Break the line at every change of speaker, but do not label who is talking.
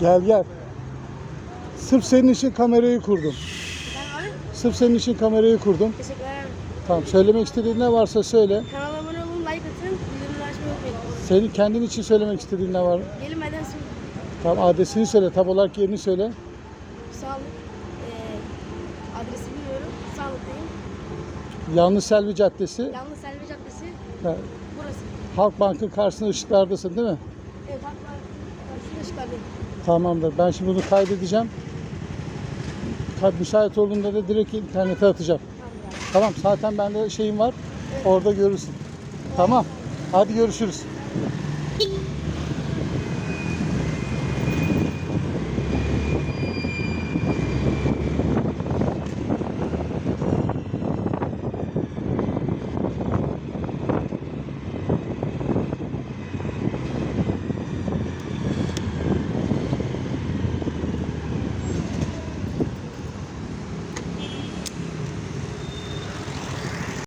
Gel gel. Sırf senin için kamerayı kurdum.
Ben abi.
Sırf senin için kamerayı kurdum.
Teşekkürler abi.
Tamam, söylemek istediğin ne varsa söyle.
Kanala abone olun, like atın, bildirimleri açmayı unutmayın.
Senin kendin için söylemek istediğin ne var?
Gelin beden su.
Tamam, adresini söyle, tam olarak yerini söyle.
Sağlık. Adresi bilmiyorum. Sağlıktayım.
Yanlış Selvi Caddesi.
Yalnız Selvi Caddesi.
Ha,
Burası.
Halk Bank'ın karşısında ışıklardasın değil mi?
Evet, haklar. Karşısında ışıklardayım.
Tamamdır. Ben şimdi bunu kaydedeceğim. Müsait olduğunda da direkt internete atacağım.
Tamam ya.
Tamam, zaten bende şeyim var. Orada görürsün. Tamam. Hadi görüşürüz.